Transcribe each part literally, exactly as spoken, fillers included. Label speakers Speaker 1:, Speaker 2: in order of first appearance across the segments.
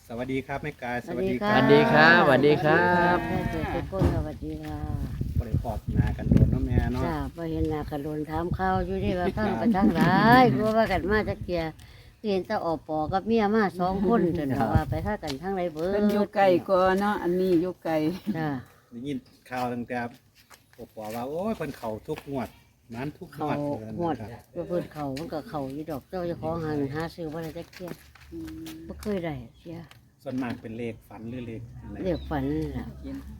Speaker 1: สวัสดีครับแม่กายส
Speaker 2: สวั
Speaker 1: วัส
Speaker 2: สดี
Speaker 1: ดีค
Speaker 2: ค
Speaker 1: รั
Speaker 2: รั
Speaker 1: บบ
Speaker 3: สวัสดีครับสวัสดีครับ
Speaker 2: แม่เจอทุกคนสวัสดีค่ะ
Speaker 1: บริพอดนากันโดนเนาะแม่เนาะ
Speaker 2: จ้าพอเห็นหน้ากระโดนถามข้าวอยู่นี่ว่าฟังไปทางหลายกลัวว่ากันมาจักเกียเห็นแตาออกปอกับเมียมาสองคนจนว่าไปท่ากันทางไรเบิด
Speaker 4: เป็นอยู่ไกลก็เนาะอันนี้อยู่ไกล
Speaker 2: จ้า
Speaker 1: ได้ยินข่าวตั้งแต่ปปว่าโอ้ยเพิ่นเข้าทุกงวดมันทุกง
Speaker 2: เขา
Speaker 1: วด
Speaker 2: หวดว่าเพิ่นเขามันก็เขาอยู่ดอกเจ้าเจะของหาเงินหาซื้อว่าได้จักเกียบ่เคยได้เสีย
Speaker 1: ส่วนมากเป็นเลขฝันหรือเลขอะไร
Speaker 2: เรียกฝันนี่ล่ะ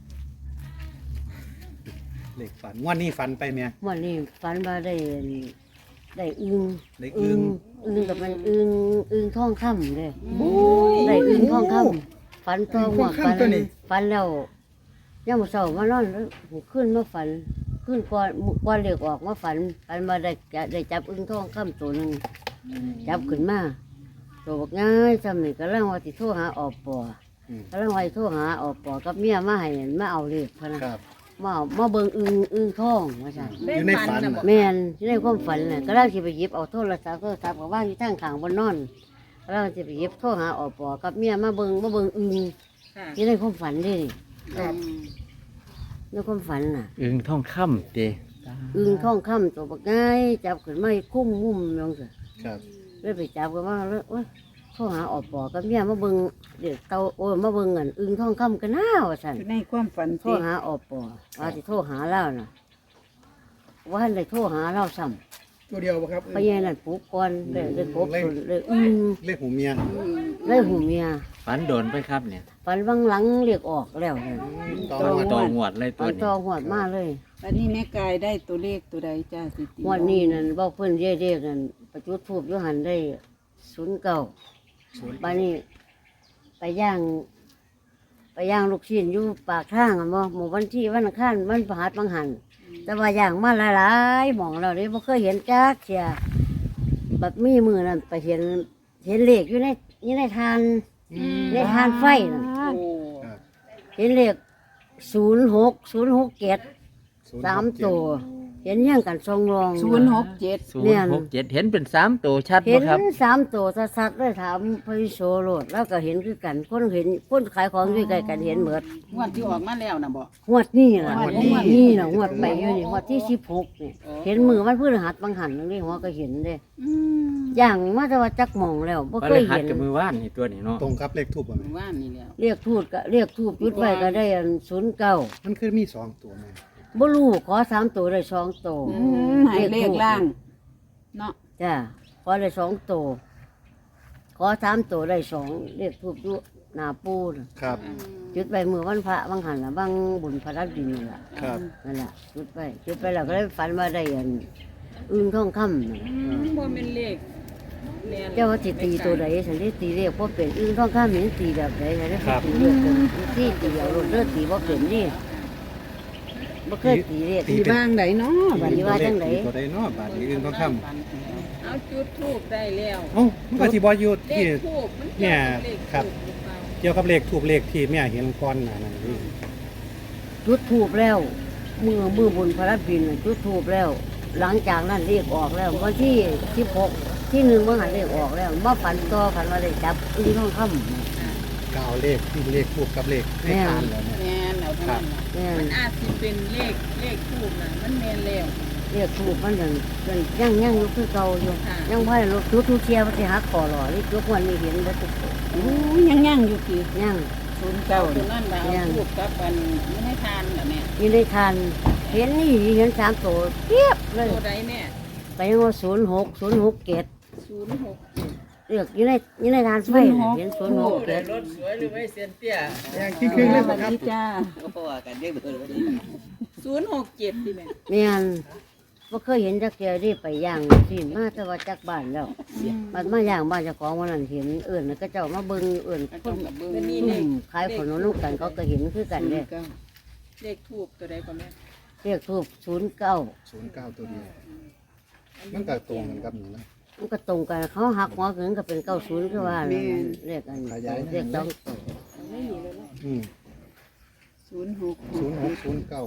Speaker 1: เลขฝันงวดนี้ฝันไปแม่
Speaker 2: วันนี้ฝันว่าได้ได้อึง
Speaker 1: ได้อึ่ง
Speaker 2: อึงกับมันอึงอึงทองคำเลยได้อึงทองคำฝันตัวหัวฝันฝันแล้วย่ามมื้อเช้ามานอนแล้วขึ้นมาฝันขึ้นก่อนก่อนเรียกออกมาฝันฝันมาได้จะได้จับอึงทองคำตัวหนึ่งจับขึ้นมาตัวบอกง่ายจำนี่ก็เรื่องว่าติโทรหาออกปอ
Speaker 1: อืม
Speaker 2: ก็เรื่องว่าสิโทรหาออกปอกับเมียมาให้มาเอาเลขพะนะครับ มาเอามาเบิ่งอึงอึงทองว่าซั่น
Speaker 1: อยู่ในฝันน่ะ
Speaker 2: แม่นที่ในความฝันน่ะก็เราสิไปหยิบเอาโทรศัพท์โทรศัพท์ก็ว่างอยู่ทางข้างบนนอนก็เราสิไปหยิบโทรหาออกปอกับเมียมาเบิ่งมาเบิ่งอึงที่ในความฝันเด้นี่ในความฝันน่ะ
Speaker 3: อึงทองคำเด้
Speaker 2: อึงทองคำตัวบักง่ายจับขึ้นมาให้คุ้มมุมลงสิ
Speaker 1: ครับ
Speaker 2: เลยไปจับกันมาแล้วโอ้ยโทรหาออกปอกับเมียมาเบิ่งเด็กเตาโอ้ยมาเบิ่งอันอึงทองคำกันน้าว่าซั่น
Speaker 4: อยู่ในความฝัน
Speaker 2: โทรหาออกปอว่าสิโทรหาเราน่ะว่าให้ได้โทรหาเราซ้ำ
Speaker 1: ตัวเดียวบ่ครับ
Speaker 2: ไปยัยนั่นปลูกก่อนเลยเลยปลูกส่วนเลยอึง
Speaker 1: เลขหูเมีย
Speaker 2: เลยหูเมีย
Speaker 3: ฝันโดนไปครับเนี่ย
Speaker 2: ฝันวังหลังเรียกออกแล้วเนี่ย
Speaker 1: ต่อ
Speaker 3: ฝัน
Speaker 1: งวด
Speaker 3: ต่องวดเลยตั
Speaker 2: ฝั
Speaker 3: วน นี้
Speaker 2: จอหวดมาเลย
Speaker 4: วันนี้แม่กายได้ตัวเลขตัวใดจ้าสิติ
Speaker 2: หวดนี้นั่นบอกเพิ่นเรียกเรียกนั่นประจุดทูบยุหันได้ศูนย์เก้าบ้านนี้ไปย่าง ไปย่างลูกชิ้นอยู่ปากทางอ่ะบ่หมู่วันที่วันอังคารวันประหัสบางหันแต่ว่าย่างมาหลายๆหมองเราเลยบ่เคยเห็นจักเสียแบบมีมือนั่นไปเห็นเห็นเลขอยู่ในอยู่ในทานในทานไฟนั่น
Speaker 1: ครับ
Speaker 2: เห็นเลขศูนย์หกศูนย์หกเจ็ดสามตัวเห็นย่างกันทรงรอง
Speaker 4: ศูนย์หกเจ็ด
Speaker 3: ศูนย์หกเจ็ดเห็นเป็นสามตัวชัด
Speaker 2: เห็
Speaker 3: บ่
Speaker 2: น
Speaker 3: ครับ
Speaker 2: สามตัวสัดๆเลยถามพระวิโสโลดแล้วก็เห็นคือกันคนเห็นคนขายของด้วยกันเห็นเหมือน
Speaker 4: งวดที่ออกมาแล้วนะบ่
Speaker 2: หวดนี่ล่ะ
Speaker 4: งวด
Speaker 2: ห
Speaker 4: นี้
Speaker 2: วดนี่ล่ะหวดไปอยู่นี่หวดที่สิบหกนี่เห็นมือมันพื้นหัดบางหันนั่นนี่หัวก็เห็นเด้
Speaker 4: อืม
Speaker 2: อย่างมาแต่ว่าจักหมองแล้วบ่
Speaker 3: ก็
Speaker 2: เค
Speaker 3: เลย
Speaker 2: ย
Speaker 3: หัด
Speaker 2: เห็น
Speaker 3: กับมือว่านนี่ตัวนี้เนาะ
Speaker 1: ตรงกับเลขทูบบ่แม่
Speaker 4: ว่านนี่แล้ว
Speaker 2: เรียกทูตก็เรียกทูบจุดไว้ก็ได้อันศูนย์เก้า
Speaker 1: มันคือมีสองตัวแม่
Speaker 2: บ่รู้ขอสามตัวได้สองตัว
Speaker 4: อืมใหายเลขล่างเนาะ
Speaker 2: จ้าขอได้สองตัวขอสามตัวได้สองเรียกทูบอยู่หน้าปูน่ะ
Speaker 1: ครับ
Speaker 2: จุดไปมือวันพระบางหันละบางบุญพระรับดินนี่ล่ะ
Speaker 1: ครับ
Speaker 2: นั่นแหละจุดไปจุดไปแล้วก็ได้ฝันว่าได้อันอึ้งทองคำนั่นล่ะ
Speaker 4: บ่เป็นเลข
Speaker 2: เจ้าว่าสิตีตัวใดฉันได้ตีเรียกว่าเป็นอึ้งทองคำเห็นตีแบบใดฉันได้ตีเรียกเป็นที่ตีเอารถเลือดตีว่าเป็นนี่บ่เคยตีเรียก
Speaker 1: ตี
Speaker 4: ตีบ้างไดเนาะบัด
Speaker 2: ตี
Speaker 4: นี้
Speaker 2: ว่าจังได
Speaker 1: ตัวใดเนาะบาทนี้อื่นต้องค้ำ
Speaker 5: เอาจุดทูบได้แล้ว
Speaker 1: เอ้ามันก็สิบ่อยู่
Speaker 5: เล
Speaker 1: ที่
Speaker 5: ขทูบมัน
Speaker 1: เนี่
Speaker 5: เกี่ย
Speaker 1: ยว
Speaker 5: กับเลข
Speaker 1: ครับ
Speaker 5: ทูบหรือเปล่า
Speaker 1: เกี่ยวกับเลขทูบเลขที่แม่เห็นก่อนหน้านั้นนี่
Speaker 2: จุดทูบแล้วมือมือบุญพระรับดินน่ะจุดทูบแล้ว หลังจากนั้นเรียกออกแล้ววันที่สิบหกที่หนึ่งเมื่อหันเรียกออกแล้วมาฝันต่อฝันว่าได้จับอึ้งทองคำ
Speaker 1: ก็เอาเลขที่เลขทูบกับเลขในทานแล้วเนี่ย
Speaker 4: แม่นเอาเท่านั้นล่ะ
Speaker 2: เนี่ย
Speaker 5: มันอาจสิเป็นเลขเลขทูบน่ะมันแม่นแล้ว
Speaker 2: เรียกถูกมันยังยังยังอยู่คือเก่าอยู่
Speaker 5: ค่ะ
Speaker 2: ยังพ่อรถทุทุเชียร์มันสิหักคอหล่อนี่ยกวันนี้เห็นแล้วทุกคน
Speaker 4: โอ้ยยังย่างอยู่กี่
Speaker 2: ยัง
Speaker 4: ศูนย์เก้า
Speaker 5: ตัว
Speaker 4: นี่
Speaker 5: นั่นว่าเอาทูบกับอันไม่ให้ทานน่ะแม่
Speaker 2: อยู่ในทานเห็นนี่เห็นสามตัวเทียบเลย
Speaker 5: ตัวใดแม่
Speaker 2: ไปยังว่าศูนย์หกศูนย์หกเกต
Speaker 5: ศูนย์หก
Speaker 2: เรียกอยู่ในอยู่ในทานไฟน่ะเห็นศูนย์หกเกต
Speaker 3: รถสวยหรือไม่เซียนเตี้ย
Speaker 1: อย่างครึ่งๆเลย
Speaker 4: ส
Speaker 1: บ่
Speaker 4: วัส
Speaker 1: ครับ
Speaker 4: ดีจ้า
Speaker 3: เพราะว่ากันเรียกเบอร์วันนี้
Speaker 5: ศูนย์หกเจ็ดดิแม่
Speaker 2: เนี่ยว่าเคยเห็นจักเจียรีไปย่างสิมาแต่ว่าจักบ้านแล้วมันมาย่างบ้านเจ้าของวันนั้นเห็นเอื่นแล้วก็เจ้ามาเบิ่งเอื่น
Speaker 4: ก็
Speaker 2: ค
Speaker 4: ต้อน งกับเบิ่ง
Speaker 5: เป็นนี่
Speaker 2: อื
Speaker 5: เลข
Speaker 2: มขายขนมลูกกันเขาก็เห็นคือกันเนี่ย
Speaker 4: ก้า
Speaker 5: เลขทูบตัวใดก่อนแม่
Speaker 2: เรียกทูบศูนย์เก้า
Speaker 1: ศูนย์เก้าตัวเดียวมันก็ตรงกันกับนี่นะ
Speaker 2: มันก็ตรงกันเขาหักหัวถึงก็เป็นเก้าศูนย์คือว่านั่นน่ะเรียกกัน
Speaker 1: ขยาย
Speaker 2: เรียกต้องตัว
Speaker 5: ไม่มีเลยนะ
Speaker 1: อืม
Speaker 4: ศูนย์หก
Speaker 1: ศูนย์หกศูนย์เก้า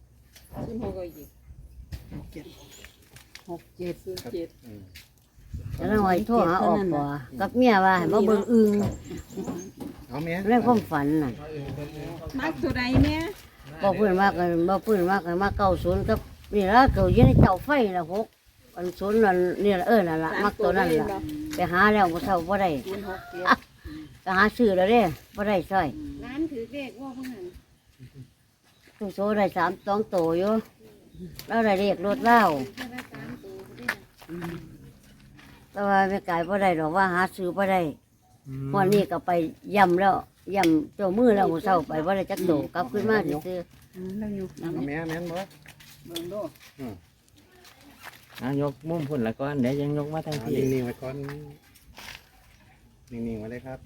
Speaker 5: ศูนย์หกก็อีก
Speaker 4: หกเจ็ด
Speaker 5: ศูนย์เจ็ด
Speaker 1: อืมค
Speaker 2: แล้วว่าโทรหาออกปอกับเมียว่าให้มาเบิ่งอึง
Speaker 1: เอาแม่
Speaker 2: ในความฝันน่ะ
Speaker 5: มักตัวใดแม่
Speaker 2: บ่เพิ่นว่ากันบ่เพิ่นว่ากันมาเก้าศูนย์กับนี่ล่ะเก้าอยู่ในเตาไฟละหกอันศูนย์นั่นนี่ล่ะเออนั่นล่ะมักตัวนั้นล่ะไปหาแล้วบ่เท่าบ่ได้
Speaker 4: ศูนย์หกเจ็ด
Speaker 2: ก็หาซื้อแล้วเด้บ่ได้ซอย
Speaker 4: ร้านถือเลขว่าเพิ่นหั่น
Speaker 2: ตู้โซได้สามสองโตอยู่แล้วได้เลขรถเล่า
Speaker 4: แค่ละสามตัวเด้อ
Speaker 2: แต่ว่าแม่กายบ่ได้ดอกว่าหาซื้อบ่ได้วันนี้ก็ไปย่ำแล้วย่ำเจ้ามือแล้วมื้อเช้าไปบ่ได้จักโตกลับขึ้นมาซื่อ
Speaker 4: อืมแล้วอยู่
Speaker 1: เอาแม่แม่นบ่
Speaker 4: เบิ่งดู
Speaker 3: เอายกมุมพุ่นละก่อนเดี๋ยวยังยกมาทาง
Speaker 1: เอา
Speaker 3: พี่
Speaker 1: นิ่งๆไว้ก่อนนิ่งๆไว้เลยครับ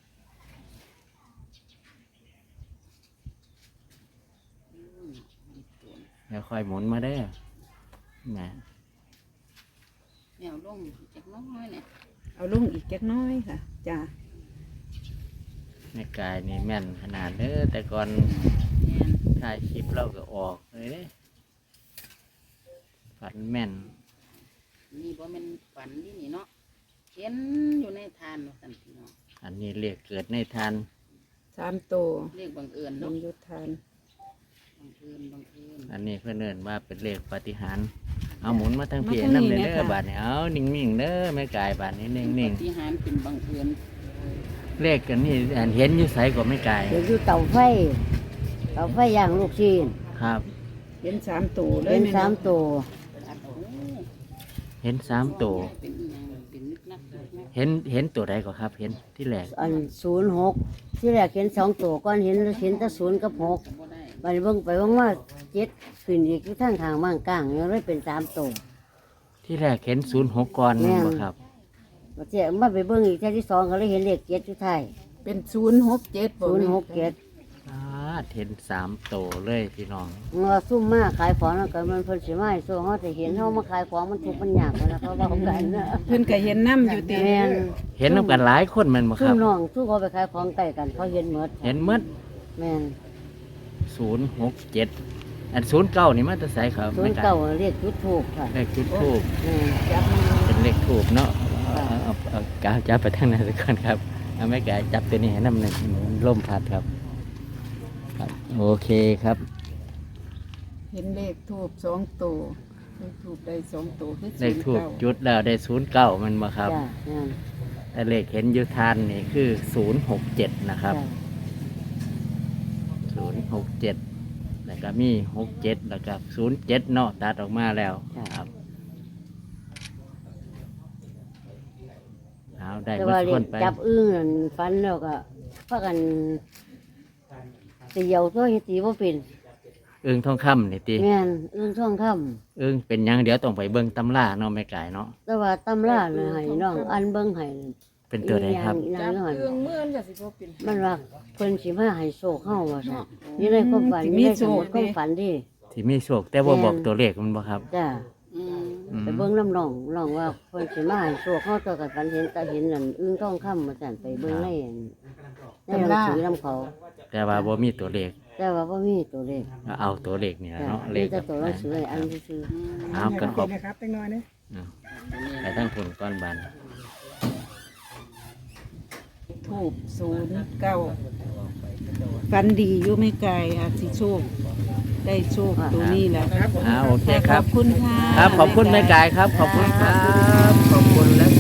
Speaker 3: เดี๋ยวค่อยหมุนมาเด้อแหม
Speaker 5: แนวลงจักน้อยเนี่ย
Speaker 4: เอาลงอีกจักหน้อยค่ะจ้า
Speaker 3: แม่กายนี่แม่นขนาดเด้อแต่ก่อน
Speaker 5: แม่น
Speaker 3: ถ่ายคลิปเราก็ออกเลยเด้ฝันแม่น
Speaker 5: นี่บ่แม่นฝันที่นี่เนาะเห็นอยู่ในทานว่าซั่นพี่น้อง
Speaker 3: อันนี้เรียกเกิดในทาน
Speaker 4: สามตัว
Speaker 5: เรียกบังเอิญ
Speaker 4: ล
Speaker 5: เนาะ
Speaker 4: งยุทธาน
Speaker 5: บังเอิญบังเอิญ
Speaker 3: อันนี้เพื่อนเอินว่าเป็นเลขปาฏิหาริย์เอาหมุนมาทางพี่น้ำเลยเด้อบาทนี่เอานิ่งๆเด้อแม่กายบาทนี้นิ่ง
Speaker 5: ปฏิหารย์เป็นบังเอิญ
Speaker 3: ๆเลขกันนี่อันเห็นอยู่ใสกว่าแม่กาย
Speaker 2: ๆเดี๋ยวอยู่เตาไฟเตาไฟย่างลูกชิ้น
Speaker 3: ครับ
Speaker 4: เห็นสามตัวเลย
Speaker 2: เป็น
Speaker 4: แม่
Speaker 2: สาม
Speaker 4: เนาะ
Speaker 2: โต
Speaker 5: อัดโอ้
Speaker 3: เห็นสามตัว
Speaker 5: เป็นอีหยังเป็นนึกนักนึกนัก
Speaker 3: เห็นเห็นตัวใดก็ครับ เห็นที่แรก
Speaker 2: อันศูนย์หกที่แรกเห็นสองโตก่อนเห็นเห็นแต่ศูนย์กับหก
Speaker 5: ก็บ่ได้
Speaker 2: ไปเบิ่งไปเบิ่งว่าเจ็ดขึ้นอีกที่ทางทางบ้างกลางยังได้เป็นสามโต
Speaker 3: ที่แรกเห็นศูนย์หกก่อนนั่นบ่ครับ
Speaker 2: มาเจ้ามาไปเบิ่งอีกแค่ที่สองก็เลยเห็นเลขเจ็ดอยู่ไทาย
Speaker 4: เป็นศูนย์หกเจ็ด
Speaker 2: ศูนย์หกเจ็ด
Speaker 3: อ่าเห็นสามตัวเลยพี่น้อง
Speaker 2: เมื่อซุ่มมาขายของแล้วก็มันเพิ่นสิมาให้โซ่เฮาจะเห็นเฮามาขายของมันทุกข์มันยากนะเพราะว่าเขากันนะ
Speaker 4: เพิ่นก็เห็นน้ำอยู่ติ
Speaker 2: แม่น
Speaker 3: เห็นน้ำกันหลายคนแมันบ่ค
Speaker 2: ซุ่
Speaker 3: รั
Speaker 2: ม
Speaker 3: บ
Speaker 2: น้องทุกเขาไปขายของใกล้กันเขาเห็นหมด
Speaker 3: เห็นหมด
Speaker 2: แม่น
Speaker 3: ศูนย์หกเจ็ดอันศูนย์เก้านี่มาจะใส่ครับ
Speaker 2: ศูน
Speaker 3: แม่
Speaker 2: ย์
Speaker 3: กา
Speaker 2: เก้าย เรียกจุดถูกค่ะ
Speaker 3: เลขจุดทูบ
Speaker 2: แม่น
Speaker 4: จับมือ
Speaker 3: เป็นเลขทูบเนาะเอาเอาเอากาวจับไปทางนั้นสักก่อนครับเอาแม่กายจับตัวนี้ให้น้ำหนึ่งลมพัดครับครับ โอเคครับ
Speaker 4: เห็นเลขทูบสองตัวเลขทูบได้สองตัวคือ
Speaker 3: เลขทูบ
Speaker 4: ศูนย์เก้า
Speaker 3: จุดแล้วได้ศูนย์เก้ามันมาครับ
Speaker 2: จ้ะแม่น
Speaker 3: แต่เลขเห็นอยุทานนี่คือศูนย์หกเจ็ดนะครับ
Speaker 2: จ้ะ
Speaker 3: ศูนย์หกเจ็ดแล้วก็มีหกเจ็ดแล้วก็ศูนย์เจ็ดเนาะตัดออกมาแล้วครับเอาได้
Speaker 2: แต่
Speaker 3: เมื่
Speaker 2: ว่า
Speaker 3: อ
Speaker 2: เรี
Speaker 3: ค
Speaker 2: ย
Speaker 3: น
Speaker 2: ก
Speaker 3: ไป
Speaker 2: จับอึ้งนั่นฟันแล้วก็พากันเตียวตัวเฮ็ดตีบ่เป็น
Speaker 3: เอิงทองคำนี่ตี
Speaker 2: แม่นอึ้งท่องคำ
Speaker 3: เอิงเป็นหยังเดี๋ยวต้องไปเบิ่งตำราเนาะแม่ไก่เนาะ
Speaker 2: แต่ว่าตำราน่ะให้น้องอันเบิ่งให้
Speaker 3: เป็นตัวใดครับ
Speaker 2: อีหยังอีหยัง
Speaker 5: เครื่องมือมันก็สิบ่เป็น
Speaker 2: มันว่าเพิ่นสิมาให้โชคเฮาว่าซั่นนี่ในความฝันนี่ในสมุดความฝันดิ
Speaker 3: ที่มีโชคแต่ว่าบอกตัวเลขมันบ่ครับ
Speaker 2: จ้ะ
Speaker 5: อืม
Speaker 3: อืม
Speaker 2: ไปเบิ่งน้ำน้องน้องว่าเพิ่นสิมาให้โชคเฮาตัวกันฝันเห็นแต่เห็นนั่นอึ้งท่องคำว่าซั่นไปเบิ่งในอันในหนังสือนํเขา
Speaker 3: แต่ว่าบ่มีตัวเลข
Speaker 2: แต่ว่าบ่มีตัวเลข
Speaker 3: ก็เอาตัวเลขนี่ล่ะ
Speaker 2: จ้ะ
Speaker 3: เนาะเล
Speaker 2: มี
Speaker 3: ข
Speaker 2: แต่ตัวหนังสือให้อันซื่อ
Speaker 3: เอาก็ขอบ
Speaker 1: นะครับเล็กน้อยนะ
Speaker 3: อืมไปทั้งผลก้อนบาน
Speaker 4: ทูบศูนย์เก้าฟันดีอยู่ไม่ไกลอาจสิโชค ได้โชคตัวนี้แหละ
Speaker 3: อ่าโอเคค
Speaker 4: ข
Speaker 3: รั
Speaker 4: อบ บคุณค่ะ
Speaker 3: ครับขอบคุณแม่กายครับ ขอบคุณครับ ขอบคุณและ